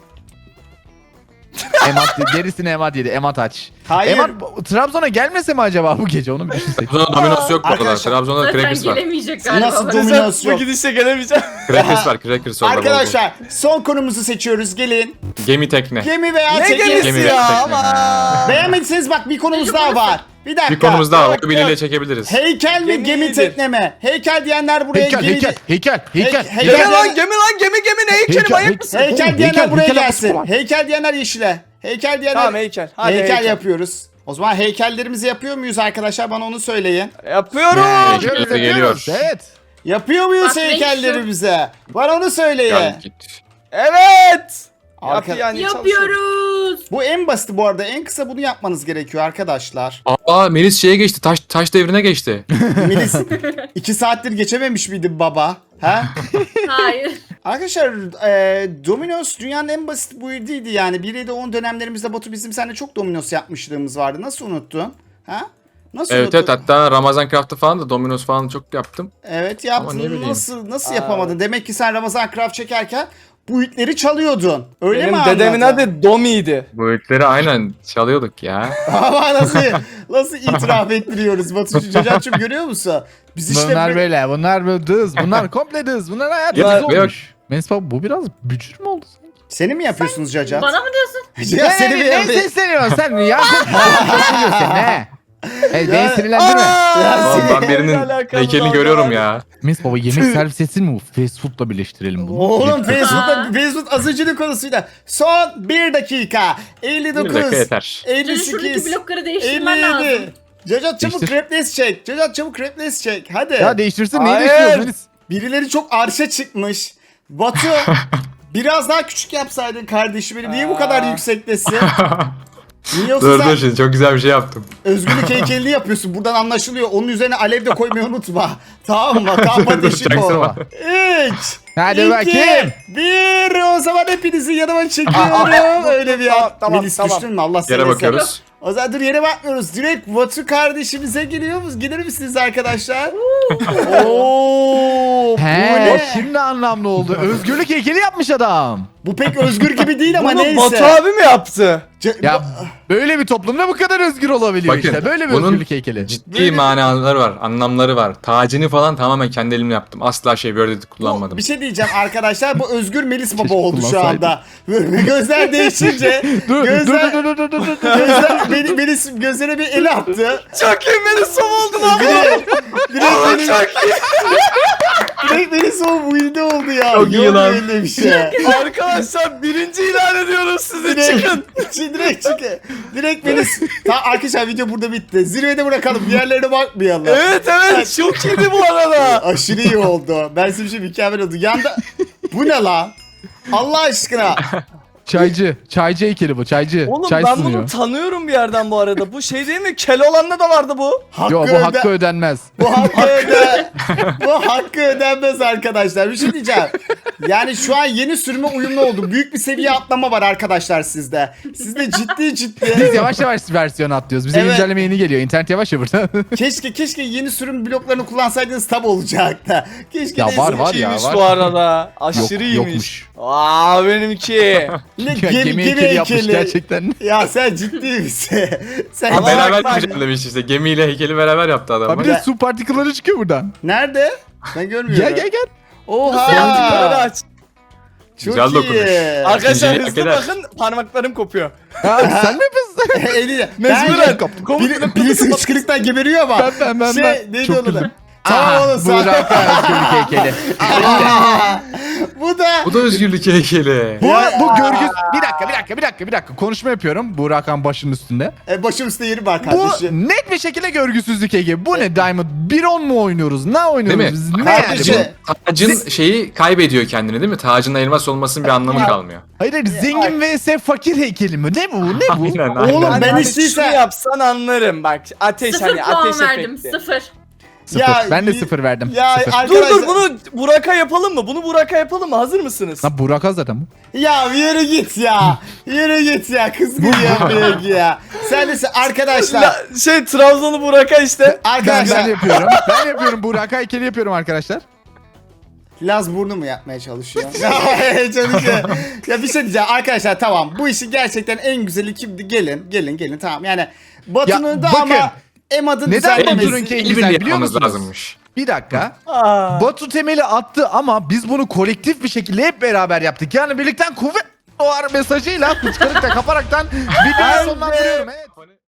Speaker 2: Emat gerisini Emat yedi. Emat aç.
Speaker 1: Hayır.
Speaker 2: Emat bu- Trabzon'a gelmese mi acaba bu gece? Onu bir düşünsek.
Speaker 4: Trabzon'da Domino's yok bu arada.
Speaker 1: Arkadaşlar,
Speaker 4: Trabzon'da
Speaker 5: Zaten
Speaker 4: Crackers var.
Speaker 5: gelemeyecek galiba.
Speaker 1: Nasıl
Speaker 5: bana.
Speaker 1: Domino's
Speaker 3: Domino's
Speaker 1: yok.
Speaker 3: bu gidişle gelemeyeceğim.
Speaker 4: Crackers var. Crackers orada.
Speaker 1: Arkadaşlar son konumuzu seçiyoruz gelin.
Speaker 4: bol bol. Gemi tekne.
Speaker 1: Gemi veya
Speaker 3: ne
Speaker 1: tekne.
Speaker 3: gemisi
Speaker 4: Gemi
Speaker 3: ya
Speaker 4: tekne.
Speaker 3: ama.
Speaker 1: Beğenmediyseniz bak bir konumuz daha var. Bir dakika.
Speaker 4: Bir konumuz daha var.
Speaker 3: Yok,
Speaker 4: Biriyle
Speaker 3: yok.
Speaker 4: çekebiliriz.
Speaker 1: Heykel mi
Speaker 3: Gemi
Speaker 1: gemi
Speaker 3: iyidir.
Speaker 1: tekne mi? Heykel diyenler buraya
Speaker 2: Heykel,
Speaker 1: geri...
Speaker 2: heykel, heykel, heykel.
Speaker 1: Hey-
Speaker 3: Gemi
Speaker 1: heykel-
Speaker 3: lan gemi lan gemi gemi ne heykeli
Speaker 2: Heykel,
Speaker 3: manyak
Speaker 2: heykel.
Speaker 3: mısın?
Speaker 1: Heykel
Speaker 2: Oğlum,
Speaker 1: diyenler
Speaker 2: heykel,
Speaker 1: buraya
Speaker 2: heykel
Speaker 1: gelsin.
Speaker 2: yapısı var.
Speaker 1: Heykel diyenler yeşile. Heykel diyenler...
Speaker 3: Tamam heykel. Hadi
Speaker 1: heykel,
Speaker 3: heykel.
Speaker 1: yapıyoruz. O zaman heykellerimizi yapıyor muyuz arkadaşlar? Bana onu söyleyin.
Speaker 3: Yapıyorum.
Speaker 4: Heykel
Speaker 2: Yapıyoruz,
Speaker 4: de geliyor.
Speaker 2: yapıyoruz. Evet.
Speaker 1: Yapıyor muyuz
Speaker 5: Bak, renk
Speaker 1: heykellerimize? Bana onu söyleyin.
Speaker 4: Gel git.
Speaker 3: Evet.
Speaker 1: Arka-
Speaker 3: Yap yani çalışıyorum.
Speaker 5: Yapıyoruz.
Speaker 1: Bu en basiti bu arada. En kısa bunu yapmanız gerekiyor arkadaşlar.
Speaker 4: Aa Melis şeye geçti. Taş taş devrine geçti.
Speaker 1: Melis iki saattir geçememiş miydi baba? Ha?
Speaker 5: Hayır.
Speaker 1: Arkadaşlar e, Domino's dünyanın en basit build'iydi yani. bir yedi on dönemlerimizde Batu bizim seninle çok Domino's yapmışlığımız vardı. Nasıl unuttun? Ha? Nasıl
Speaker 4: Evet
Speaker 1: unuttun?
Speaker 4: evet hatta Ramazan Craft'ta falan da Domino's falan çok yaptım.
Speaker 1: Evet
Speaker 4: Ama ne
Speaker 1: yaptın.
Speaker 4: bileyim.
Speaker 1: Nasıl nasıl yapamadın? Demek ki sen Ramazan Craft çekerken bu itleri çalıyordun. Öyle
Speaker 3: Benim
Speaker 1: mi
Speaker 3: dedemin
Speaker 1: anladın?
Speaker 3: adı Domi'ydi.
Speaker 4: Bu itleri aynen çalıyorduk ya.
Speaker 1: Ama nasıl nasıl itiraf ettiriyoruz Batu Cacat'cığım görüyor musun? Biz işte
Speaker 2: Bunlar
Speaker 1: bir-
Speaker 2: böyle, bunlar böyle dız, bunlar komple dız, bunlar hayat
Speaker 4: Ya,
Speaker 2: dız
Speaker 4: yok.
Speaker 2: olmuş. Menis baba bu biraz bücür mü oldu?
Speaker 1: Seni mi yapıyorsunuz Cacat?
Speaker 5: Bana mı diyorsun?
Speaker 1: Ya
Speaker 2: Ne,
Speaker 1: seni mi
Speaker 2: ne, ne
Speaker 1: yapıyorsun?
Speaker 2: sesleniyorsun sen ya? Sen sesleniyorsun sen ne? E, beni sinirlendirme.
Speaker 1: Ya,
Speaker 4: Oğlum ben
Speaker 3: seninle
Speaker 4: birinin
Speaker 3: alakalı
Speaker 4: heykelini
Speaker 3: vallahi.
Speaker 4: görüyorum ya.
Speaker 2: Mis baba yemek servis etsin mi bu? Fast food'la birleştirelim bunu.
Speaker 1: Oğlum Facebook'ta
Speaker 5: Aa.
Speaker 1: Facebook azıcılık konusuyla. Son bir dakika. elli
Speaker 4: Bir
Speaker 1: dokuz.
Speaker 4: dakika yeter.
Speaker 5: Senin
Speaker 1: elli
Speaker 5: şuradaki
Speaker 1: sekiz.
Speaker 5: blokları değiştirmen
Speaker 1: elli
Speaker 5: lazım.
Speaker 1: yedi. Cacat çabuk
Speaker 2: Değiştir.
Speaker 1: replace çek. Cacat çabuk replace çek. Hadi.
Speaker 2: Ya değiştirsin neyi
Speaker 3: Hayır.
Speaker 2: değiştiriyoruz Melis?
Speaker 1: Birileri çok arşa çıkmış. Batu biraz daha küçük yapsaydın kardeşim benim. Niye bu kadar
Speaker 3: Aa.
Speaker 1: yüksektesin? Niye yoksa
Speaker 4: Dur
Speaker 1: sen
Speaker 4: dur şimdi çok güzel bir şey yaptım.
Speaker 1: özgürlük heykelini yapıyorsun. Buradan anlaşılıyor. Onun üzerine alev de koymayı unutma. Tamam mı? Kamp ateşi
Speaker 4: Çaksana.
Speaker 1: koy. üç.
Speaker 2: Hadi
Speaker 1: iki,
Speaker 2: bakayım.
Speaker 1: bir. O zaman hepinizi yanıma çekiyorum.
Speaker 3: Aa, aa,
Speaker 1: Öyle bir
Speaker 3: tamam,
Speaker 1: an.
Speaker 3: tamam,
Speaker 1: Melis
Speaker 3: tamam.
Speaker 1: düştün mü? Allah seni
Speaker 4: Yere
Speaker 1: esir.
Speaker 4: bakıyoruz.
Speaker 1: O zaman dur yere bakmıyoruz. Direkt Batu kardeşimize geliyor muyuz? Gelir misiniz arkadaşlar? Oo, bu
Speaker 2: He,
Speaker 1: ne?
Speaker 2: şimdi anlamlı oldu. Özgürlük heykeli yapmış adam.
Speaker 1: Bu pek özgür gibi değil ama
Speaker 3: Bunu
Speaker 1: neyse.
Speaker 3: Batu abi mi yaptı?
Speaker 1: Ce-
Speaker 2: Ya böyle bir toplumda bu kadar özgür olabiliyor
Speaker 4: Bakın,
Speaker 2: işte. Böyle bir
Speaker 4: bunun
Speaker 2: özgürlük heykeli.
Speaker 4: Ciddi manaları var, anlamları var. Tacını falan tamamen kendi elimle yaptım. Asla şey böyle
Speaker 1: Bu-
Speaker 4: kullanmadım.
Speaker 1: bir şey diyeceğim arkadaşlar. Bu özgür Melis Baba
Speaker 2: Keşke
Speaker 1: oldu şu
Speaker 2: kullansaydım.
Speaker 1: anda. Böyle gözler değişince
Speaker 2: Dur,
Speaker 1: gözler,
Speaker 2: dur, dur, dur, dur, dur, dur.
Speaker 1: gözler Melis, Melis gözlere bir el attı.
Speaker 3: Çok iyi beni som oldun abi.
Speaker 1: Direkt, direkt Melis,
Speaker 3: Çok iyi.
Speaker 1: direkt Melis o buydu oldu ya.
Speaker 4: Çok iyi
Speaker 1: Yok
Speaker 4: lan.
Speaker 1: öyle bir şey.
Speaker 3: Arkadaşlar birinci ilan ediyoruz sizi
Speaker 1: Direkt,
Speaker 3: çıkın.
Speaker 1: Çi- direkt çıkın. Direkt Melis. Tamam arkadaşlar video burada bitti. Zirvede bırakalım. Diğerlerine bakmayalım.
Speaker 3: Evet evet çok iyiydi bu arada.
Speaker 1: Aşırı iyi oldu. Ben size bir şey mükemmel oldu. Yanda bu ne lan? Allah aşkına.
Speaker 2: Çaycı. Çaycı heykeli bu. Çaycı.
Speaker 3: Oğlum
Speaker 2: Çay
Speaker 3: ben
Speaker 2: sunuyor.
Speaker 3: bunu tanıyorum bir yerden bu arada. Bu şey değil mi? Keloğlan'da da vardı bu.
Speaker 1: Hakkı
Speaker 2: Yo bu
Speaker 1: öde-
Speaker 2: hakkı ödenmez.
Speaker 1: Bu hakkı öde bu hakkı ödenmez arkadaşlar. Bir şey diyeceğim. Yani şu an yeni sürüme uyumlu oldu. Büyük bir seviye atlama var arkadaşlar sizde. Sizde ciddi
Speaker 2: Biz
Speaker 1: ciddi.
Speaker 2: yavaş yavaş versiyon atlıyoruz. Bize
Speaker 1: Evet.
Speaker 2: güncelleme yeni geliyor. İnternet yavaş ya burada.
Speaker 1: Keşke keşke yeni sürüm bloklarını kullansaydınız tab olacaktı. Keşke
Speaker 2: Ya
Speaker 1: neyse.
Speaker 2: var, var.
Speaker 3: İyiymiş
Speaker 2: var.
Speaker 3: bu arada. Aşırı
Speaker 2: Yok-
Speaker 3: iyiymiş.
Speaker 2: yokmuş.
Speaker 3: Aa benimki.
Speaker 1: Ne
Speaker 2: Ya,
Speaker 1: gemi,
Speaker 2: gemi
Speaker 1: gemi
Speaker 2: heykeli yapmış
Speaker 1: heykeli.
Speaker 2: gerçekten.
Speaker 1: Ya sen ciddi misin? Sen
Speaker 3: Ama
Speaker 4: Beraber
Speaker 3: bak-
Speaker 4: güncellemiş işte. Gemiyle heykeli beraber yaptı adam.
Speaker 2: Abi bir de su partikülleri çıkıyor buradan.
Speaker 1: nerede? Ben görmüyorum.
Speaker 2: Gel gel gel.
Speaker 3: Parmakları
Speaker 1: Oha.
Speaker 3: aç.
Speaker 1: Çok
Speaker 4: Güzel dokunuş.
Speaker 1: iyi.
Speaker 3: Arkadaşlar
Speaker 4: İkinciyi hak
Speaker 3: hızlı
Speaker 4: eder.
Speaker 3: bakın parmaklarım kopuyor.
Speaker 2: Ha, sen mi yapıyorsun?
Speaker 1: Eliyle.
Speaker 3: Mecburen.
Speaker 1: Ben- Biri, birisi hıçkırıktan geberiyor ama.
Speaker 2: Ben, ben, ben,
Speaker 1: Şey
Speaker 2: ben.
Speaker 1: neydi
Speaker 2: Çok
Speaker 1: onun adı?
Speaker 2: güzel.
Speaker 1: Tamam oğlum sen.
Speaker 2: Burak özgürlük heykeli.
Speaker 1: Bu da.
Speaker 4: Bu da özgürlük heykeli.
Speaker 2: Bu,
Speaker 1: Ya.
Speaker 2: bu görgü... Bir dakika bir dakika bir dakika bir dakika. Konuşma yapıyorum. Burak Han başının üstünde.
Speaker 1: E, başım üstte yeri var
Speaker 2: Bu
Speaker 1: kardeşim.
Speaker 2: net bir şekilde görgüsüzlük heykeli. Bu ne Diamond? bir on mu oynuyoruz? Ne oynuyoruz
Speaker 4: Değil mi?
Speaker 2: biz? Ne
Speaker 1: Kardeşim.
Speaker 2: yani bu?
Speaker 4: Tacın şeyi kaybediyor kendini değil mi? Tacın elmas olmasının bir anlamı kalmıyor.
Speaker 2: Hayır hayır zengin vs fakir heykeli mi? Ne bu? Ne bu?
Speaker 4: Aynen aynen.
Speaker 1: Oğlum
Speaker 3: Hani
Speaker 1: ben
Speaker 3: hani
Speaker 1: isteyse-
Speaker 3: şunu yapsan anlarım bak. Ateş
Speaker 5: Sıfır
Speaker 3: hani
Speaker 5: puan
Speaker 3: ateş
Speaker 5: verdim.
Speaker 3: efekti.
Speaker 5: Sıfır.
Speaker 2: Sıfır.
Speaker 1: Ya,
Speaker 2: ben de
Speaker 1: y-
Speaker 2: sıfır verdim.
Speaker 1: Ya
Speaker 2: sıfır.
Speaker 3: Dur
Speaker 1: arkadaşlar.
Speaker 3: dur bunu Burak'a yapalım mı? Bunu Burak'a yapalım mı? Hazır mısınız?
Speaker 2: Lan Burak Han zaten bu.
Speaker 1: Ya yürü git ya. Yürü git ya. Kız gibi yapıyor ki ya. Sen de arkadaşlar.
Speaker 3: La- şey Trabzon'u Burak'a işte.
Speaker 2: Ben,
Speaker 1: Arkadaşlar.
Speaker 2: ben yapıyorum. Ben yapıyorum. Burak Han heykeli yapıyorum arkadaşlar.
Speaker 1: Laz burnu mu yapmaya çalışıyor? Ya, çalışıyor. Ya bir şey diyeceğim arkadaşlar tamam bu işin gerçekten en güzeli kimdi? Gelin gelin gelin tamam yani Batu'nun
Speaker 2: Ya,
Speaker 1: da
Speaker 2: bakın.
Speaker 1: ama Emad'ın
Speaker 2: Neden
Speaker 1: düzenlemesi.
Speaker 2: Batu'nunki en
Speaker 4: İyi
Speaker 2: güzel
Speaker 4: birlik
Speaker 2: biliyor
Speaker 4: yapmamız
Speaker 2: musunuz?
Speaker 4: lazımmış.
Speaker 2: Bir dakika.
Speaker 3: Aa.
Speaker 2: Batu temeli attı ama biz bunu kolektif bir şekilde hep beraber yaptık. Yani birlikten kuvvet doğar mesajıyla fıçkırıkta kaparaktan videoyu sonlandırıyorum. Evet.